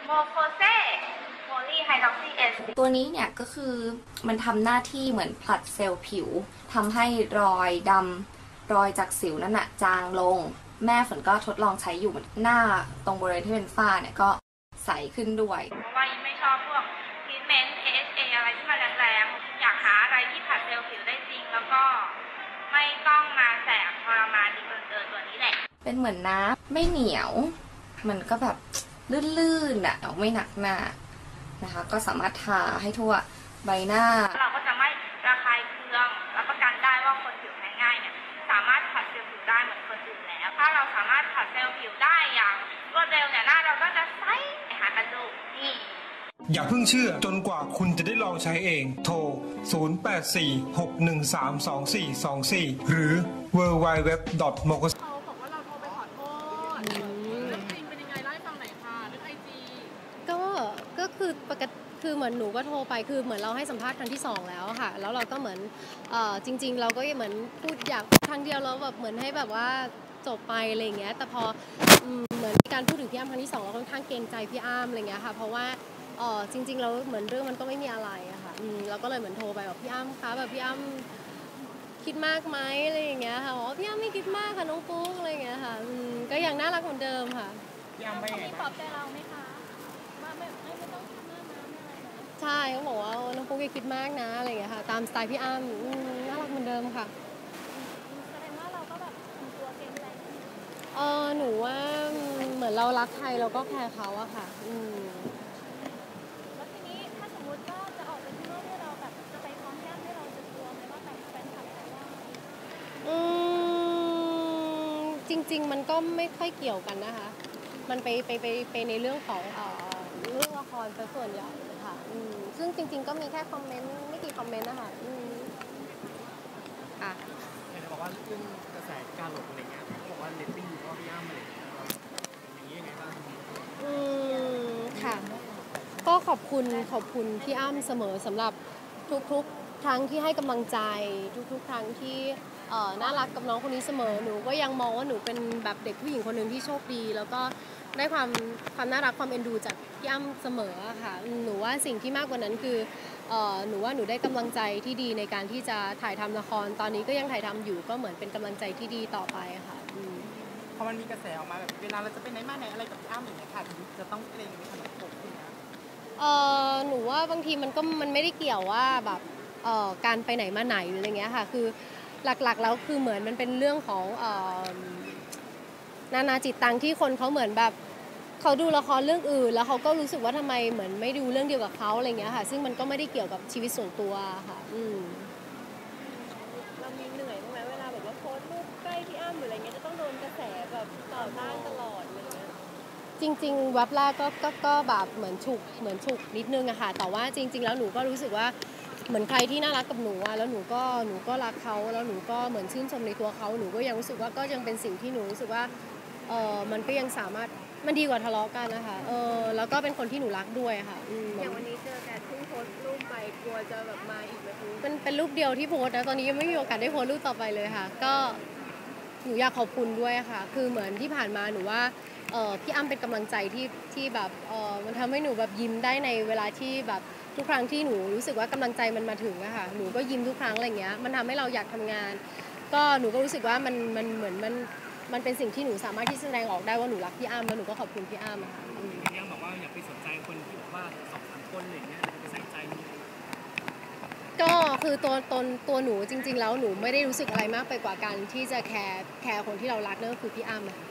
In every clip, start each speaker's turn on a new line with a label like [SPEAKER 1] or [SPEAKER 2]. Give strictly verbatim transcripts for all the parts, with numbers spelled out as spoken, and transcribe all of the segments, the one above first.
[SPEAKER 1] โมโคเซโพลีไฮดรอกซีเอส
[SPEAKER 2] ตัวนี้เนี่ยก็คือมันทำหน้าที่เหมือนผลัดเซลล์ผิวทำให้รอยดำรอยจากสิวนั่นน่ะจางลงแม่ฝนก็ทดลองใช้อยู่หน้าตรงบริเวณที่เป็นฝ้าเนี่ยก็ใสขึ้นด้วย
[SPEAKER 1] เพราะว่ายิ่งไม่ชอบพวกทรีทเมนต์ เอ เอช เอ อะไรที่มันแรงๆอยากหาอะไรที่ผลัดเซลล์ผิวได้จริงแล้วก็ไม่ต้องมาแสบทรมานดีเกินเกินตัวนี้แหละ
[SPEAKER 2] เป็นเหมือนน้ำไม่เหนียวมันก็แบบลื่นๆอ่ะไม่หนักหน้านะคะก็สามารถทาให้ทั่วใบหน้า
[SPEAKER 1] เราก็จะไม่ระคายเคืองรับประกันได้ว่าคนผิวแพ้ง่ายเนี่ยสามารถผัดเซลล์ผิวได้เหมือนคนอื่นแล้วถ้าเราสามารถผัดเซลล์ผิวได้อย่างรวดเร็วเนี่ยหน้าเราก็จะใสหากันดูนี่
[SPEAKER 3] อย่าเพิ่งเชื่อจนกว่าคุณจะได้ลองใช้เองโทรศูนย์ แปด สี่ หก หนึ่ง สาม สอง สี่ สอง สี่หรือ ดับเบิลยู ดับเบิลยู ดับเบิลยู ดอท โมโคเซ
[SPEAKER 4] เขาบอกว่าเราโทรไปขอโทษเรื่องจริงเป็นยังไงเล่าให้ฟังหน่อยค่ะเรื่องไอจี
[SPEAKER 5] ก็ก็คือปกติคือเหมือนหนูก็โทรไปคือเหมือนเราให้สัมภาษณ์ครั้งที่สองแล้วค่ะแล้วเราก็เหมือนเอ่อจริงๆเราก็เหมือนพูดอยากครั้งเดียวแล้วแบบเหมือนให้แบบว่าจบไปอะไรอย่างเงี้ยแต่พอเหมือนการพูดถึงพี่อ้ำครั้งที่สองเราค่อนข้างเกรงใจพี่อ้ำอะไรเงี้ยค่ะเพราะว่าเออจริงๆเราเหมือนเรื่องมันก็ไม่มีอะไรอะค่ะเราก็เลยเหมือนโทรไปบอกพี่อ้ำคะแบบพี่อ้ำคิดมากไหมอะไรอย่างเงี้ยค่ะบอกพี่อ้ำไม่คิดมากค่ะน้องปุ๊กอะไรอย่างเงี้ยค่ะก็ยังน่ารักเหมือนเดิมค่ะ
[SPEAKER 4] พี่อ้ำไม่ปลอบใจเราไหมคะว่าไม่ไม่ไม่ต้องคิดมากนะอะไรนะ
[SPEAKER 5] ใช่เขาบอกว่าน้องปุ๊กอย่าคิดมากนะอะไรอย่างเงี้ยค่ะตามสไตล์พี่อ้ำน่ารักเหมือนเดิมค่ะ
[SPEAKER 4] แสดงว่าเราก็แบบทำตัวเกมอะไร
[SPEAKER 5] เออหนูว่าเหมือนเรารักใครเราก็แคร์เขาอะค่ะอืม
[SPEAKER 4] แล้วทีนี้ถ้าสมมติว่าจะออกไปข้างนอกที่เราแบบจะไปพร้อมญาติให้เราจะกลัวไหมว่าแบบแฟนคลับจะว่า
[SPEAKER 5] อืมจริงๆมันก็ไม่ค่อยเกี่ยวกันนะคะมันไปไปไปไปในเรื่องของเอ่อเรื่องละครเป็นส่วนใหญ่ค่ะอืมซึ่งจริงๆก็มีแค่คอมเมนต์ไม่กี่คอมเมนต์นะคะอืม
[SPEAKER 4] ค่ะเห็นบอกว่าเรื่องกระแสการหลบอะไรเงี้ยเขาบอกว่าเรตติ้งก็พี่อ้ำอะไรอย่างเงี้ยอย่างนี้ยังไงบ้าง
[SPEAKER 5] อืมค่ะก็ขอบคุณขอบคุณพี่อ้ำเสมอสำหรับทุกๆครั้งที่ให้กำลังใจทุกๆครั้งที่เอ่อน่ารักกับน้องคนนี้เสมอหนูก็ยังมองว่าหนูเป็นแบบเด็กผู้หญิงคนหนึ่งที่โชคดีแล้วก็ได้ความความน่ารักความเอ็นดูจากพี่อ้ำเสมอค่ะหนูว่าสิ่งที่มากกว่านั้นคือเอ่อหนูว่าหนูได้กำลังใจที่ดีในการที่จะถ่ายทำละครตอนนี้ก็ยังถ่ายทำอยู่ก็เหมือนเป็นกำลังใจที่ดีต่อไปค่ะ
[SPEAKER 4] พอมันมีกระแสออกมาแบบเวลาเราจะไปไหนมาไหนอะไรกับพี่อ้ำอย่างเงี้ยค่ะจะต้องเกรงในขนมปกอย่างเงี้ย
[SPEAKER 5] เอ่อหนูว่าบางทีมันก็มันไม่ได้เกี่ยวว่าแบบเอ่อการไปไหนมาไหนหรืออะไรเงี้ยค่ะคือหลักๆแล้วคือเหมือนมันเป็นเรื่องของเอ่อนานาจิตตังที่คนเขาเหมือนแบบเขาดูละครเรื่องอื่นแล้วเขาก็รู้สึกว่าทำไมเหมือนไม่ดูเรื่องเดียวกับเขาอะไรเงี้ยค่ะซึ่งมันก็ไม่ได้เกี่ยวกับชีวิตส่วนตัวค่ะอืม
[SPEAKER 4] เรามีเหนื่อยบ้างไหมเวลาแบบว่าโพสต์รูปใกล้พี่อ้ำหรืออะไรเงี้ยจะต้องโดนกระแสแบบต่อต้านตลอดอะไรเงี้ย
[SPEAKER 5] จริงๆวับแรกก็ก็ก็แบบเหมือนฉุกเหมือนฉุกนิดนึงอะค่ะแต่ว่าจริงๆแล้วหนูก็รู้สึกว่าเหมือนใครที่น่ารักกับหนูอะแล้วหนูก็หนูก็รักเขาแล้วหนูก็เหมือนชื่นชมในตัวเขาหนูก็ยังรู้สึกว่าก็ยังเป็นสิ่งที่หนูรู้สึกว่าเออมันก็ยังสามารถมันดีกว่าทะเลาะกันนะคะเออแล้วก็เป็นคนที่หนูรักด้วยค่ะ
[SPEAKER 4] อย่างวันนี้เจอแกเพิ่งโพสต์รูปไปกลัวจะแบบมาอีกไหม
[SPEAKER 5] เป็นเป็นรูปเดียวที่โพสต์นะตอนนี้ยังไม่มีโอกาสได้โพสต์รูปต่อไปเลยค่ะก็หนูอยากขอบคุณด้วยค่ะคือเหมือนที่ผ่านมาหนูว่าเออพี่อ้ำเป็นกำลังใจที่ที่แบบเออมันทำให้หนูแบบยิ้มได้ในเวลาที่แบบทุกครั้งที่หนูรู้สึกว่ากำลังใจมันมาถึงอะค่ะหนูก็ยิ้มทุกครั้งอะไรเงี้ยมันทำให้เราอยากทำงานก็หนูก็รู้สึกว่ามันมันเหมือนมันมันเป็นสิ่งที่หนูสามารถที่แสดงออกได้ว่าหนูรักพี่อ้ำแล้วหนูก็ขอบคุณพี่อ้ำอะค่ะ
[SPEAKER 4] พี่อ้ำบอกว่าอย่าไปสนใจคนที่บอกว่าสองสามคนอะไรเงี้ยไปใส่ใจ
[SPEAKER 5] ก็คือตัวตนตัวหนูจริงๆแล้วหนูไม่ได้รู้สึกอะไรมากไปกว่าการที่จะแคร์แคร์คนที่เรารักนั่นก็คือพี่อ้ำอะ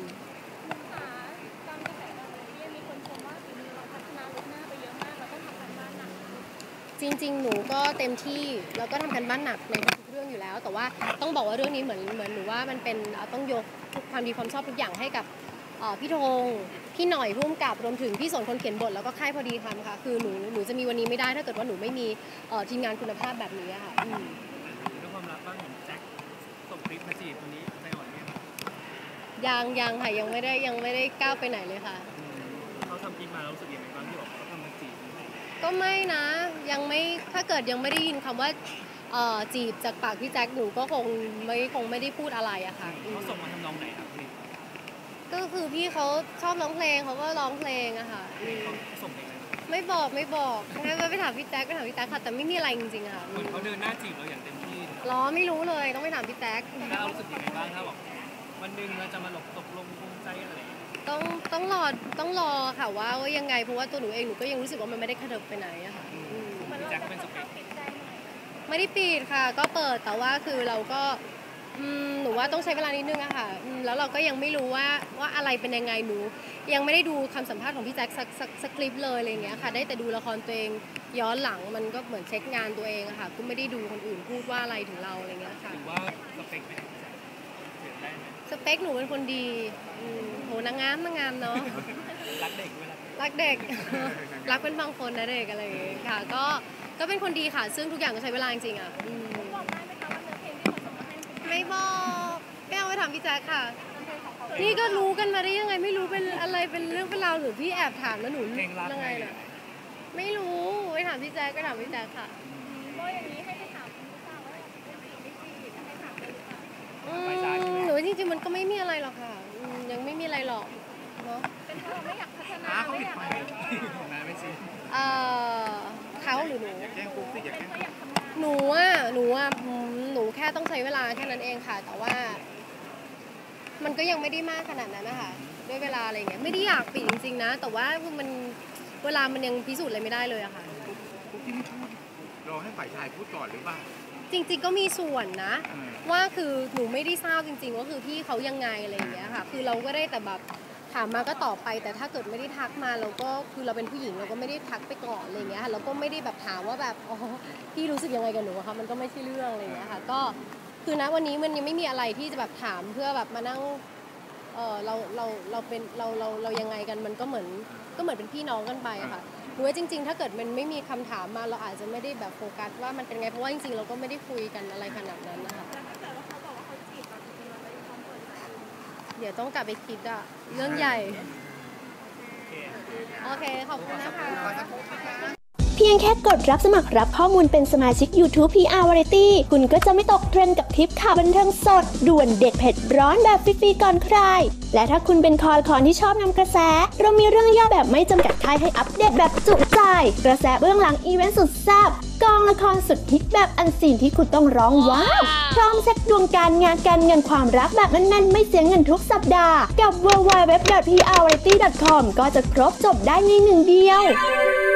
[SPEAKER 5] จริงๆหนูก็เต็มที่แล้วก็ทำกันบ้านหนักในทุกเรื่องอยู่แล้วแต่ว่าต้องบอกว่าเรื่องนี้เหมือนเหมือนหนูว่ามันเป็นต้องยกความดีความชอบทุกอย่างให้กับพี่ธงพี่หน่อยร่วมกับรวมถึงพี่สนคนเขียนบทแล้วก็ค่ายพอดีทำค่ะคือหนูหนูจะมีวันนี้ไม่ได้ถ้าเกิดว่าหนูไม่มีทีมงานคุณภาพแบบนี้ค่ะ
[SPEAKER 4] เรื่องความรักบ้างเห็นแจ็คส่งคลิปมาจีบคนนี้ใจอ่อนเนี่ย
[SPEAKER 5] ยังยังค่ะยังไม่ได้ยังไม่ได้ก้าวไปไหนเลยค่ะ
[SPEAKER 4] เขาทำคลิปมาแล้วรู้สึกยังไงบ้างที่บอกเขาทำมาจีบ
[SPEAKER 5] ก็ไม่นะยังไม่ถ้าเกิดยังไม่ได้ยินคำว่าจีบจากปากพี่แจ็คหนูก็คงไม่คงไม่ได้พูดอะไรอะค่ะ
[SPEAKER 4] เขาส่งมาทำนองไหนครับพี่
[SPEAKER 5] ก็คือพี่เขาชอบร้องเพลงเขาก็ร้องเพลงอะค่ะอืม
[SPEAKER 4] เขาส่งเพลงอะไรมา
[SPEAKER 5] ไม่บอกไม่บอกงั้นไปถามพี่แจ๊คไปถามพี่แจ๊คค่ะแต่ไม่มีอะไรจริงๆอะค่ะ
[SPEAKER 4] เหมือนเขาเดินหน้าจีบเราอย่างเต็มที่
[SPEAKER 5] ล้อไม่รู้เลยต้องไปถามพี่แจ๊ค
[SPEAKER 4] แล้วเรารู้สึกยังไงบ้างถ้าบอกวันหนึ่งเราจะมาหลบตกลงปลงใจอะไรอย่างเงี้ย
[SPEAKER 5] ต้องต้องรอต้องรอค่ะว่าว่ายังไงเพราะว่าตัวหนูเองหนูก็ยังรู้สึกว่ามันไม่ได้กระเถิบไปไหนอะค่ะอืม
[SPEAKER 4] พี่แจ็คเป็นสเปค
[SPEAKER 5] ไม่ได้ปิดค่ะ ก็เปิดแต่ว่าคือเราก็อืมหนูว่าต้องใช้เวลานิดนึงอะค่ะอืมแล้วเราก็ยังไม่รู้ว่าว่าอะไรเป็นยังไงหนู ยังไม่ได้ดูคำสัมภาษณ์ของพี่แจ็คสักสักสักคลิปเลยอะไรอย่างเงี้ยค่ะได้แต่ดูละครตัวเองย้อนหลังมันก็เหมือนเช็คงานตัวเองอะค่ะก็ไม่ได้ดูคนอื่นพูดว่าอะไรถึงเราอะไรอย่างเงี้ยค่ะ
[SPEAKER 4] หรือว่าสเปคเป็นพี่แจ็คเปลี่ยนได้ไหม
[SPEAKER 5] สเปคหนูเป็นคนดีอืมโหนางงามนางงามเนาะ
[SPEAKER 4] รักเด็กเวลา
[SPEAKER 5] รักเด็ก รักเป็นบางคนนะเด็กอะไรอย่างเงี้ยค่ะ ก็ก็เป็นคนดีค่ะ ซึ่งทุกอย่างก็ใช้เวลาจริงๆอ่ะอืมไม่บอกไม่เอาไปถามพี่แจ๊คค่ะ นี่ก็รู้กันมาได้ยังไงไม่รู้เป็นอะไรเป็นเรื่องเป็นราวหรือพี่แอบถามแล้วหนู
[SPEAKER 4] เพลงรัก
[SPEAKER 5] ยัง
[SPEAKER 4] ไง
[SPEAKER 5] ไงน่ะไม่รู้ไปถามพี่แจ๊คก็ถามพี่แจ๊คค่ะอืมหนูจริงๆมันก็ไม่มีอะไรหรอกค่ะอืมยังไม่มีอะไรหรอกเนาะ
[SPEAKER 4] อ้าเขาปิดไฟนายไม่ซี
[SPEAKER 5] เอ่อเขาหรือหนู
[SPEAKER 4] แกล้งปุ๊บสิอย่าแกล้ง
[SPEAKER 5] หนูอ่ะหนูอ่ะอืมหนูแค่ต้องใช้เวลาแค่นั้นเองค่ะ แต่ว่า มันก็ยังไม่ได้มากขนาดนั้นนะคะด้วยเวลาอะไรเงี้ยไม่ได้อยากปิดจริงๆนะ แต่ว่ามันเวลามันยังพิสูจน์อะไรไม่ได้เลยอะค่ะ
[SPEAKER 6] พวกที่ไม่พูดรอให้ฝ่ายชายพูดก่อนหรือเปล่า
[SPEAKER 5] จริงๆก็มีส่วนนะ
[SPEAKER 6] อืม
[SPEAKER 5] ว่าคือหนูไม่ได้ทราบจริงๆว่าคือพี่เขายังไงอะไรอย่างเงี้ยค่ะ คือเราก็ได้แต่แบบถามมาก็ตอบไป แต่ถ้าเกิดไม่ได้ทักมาเราก็คือเราเป็นผู้หญิงเราก็ไม่ได้ทักไปก่อนอะไรอย่างเงี้ยค่ะเราก็ไม่ได้แบบถามว่าแบบอ๋อพี่รู้สึกยังไงกับหนูอะคะมันก็ไม่ใช่เรื่องอะไรอย่างเงี้ยค่ะ ก็คือณวันนี้มันยังไม่มีอะไรที่จะแบบถามเพื่อแบบมานั่งเออเราเราเราเป็นเราเราเรายังไงกันมันก็เหมือนก็เหมือนเป็นพี่น้องกันไปอะค่ะหนูว่าจริงๆ ถ้าเกิดมันไม่มีคำถามมาเราอาจจะไม่ได้แบบโฟกัสว่ามันเป็นไงเพราะว่าจริงๆเราก็ไม่ได้คุยกันอะไรขนาดนั้นนะคะเดี๋ยวต้องกลับไปคิดอะเรื่องใหญ่โอเคขอบคุณนะคะ
[SPEAKER 7] เพียงแค่กดรับสมัครรับข้อมูลเป็นสมาชิก YouTube พี อาร์ Variety คุณก็จะไม่ตกเทรนด์กับทริปข่าวบันเทิงสดด่วนเด็ดเผ็ดร้อนแบบฟรีๆก่อนใคร และถ้าคุณเป็นคอละคอนที่ชอบนำกระแส เรามีเรื่องย่อแบบไม่จำกัดค่ายให้อัปเดตแบบจุใจ กระแสเบื้องหลังอีเวนต์สุดแซ่บกองละครสุดฮิตแบบอันซีนที่คุณต้องร้องว้าวพร้อมเช็คดวงการงานการเงินความรักแบบแน่นๆไม่เสียเงินทุกสัปดาห์กับ ดับเบิลยู ดับเบิลยู ดับเบิลยู ดอท พี อาร์ วาไรตี้ ดอท คอม ก็จะครบจบได้ในหนึ่งเดียว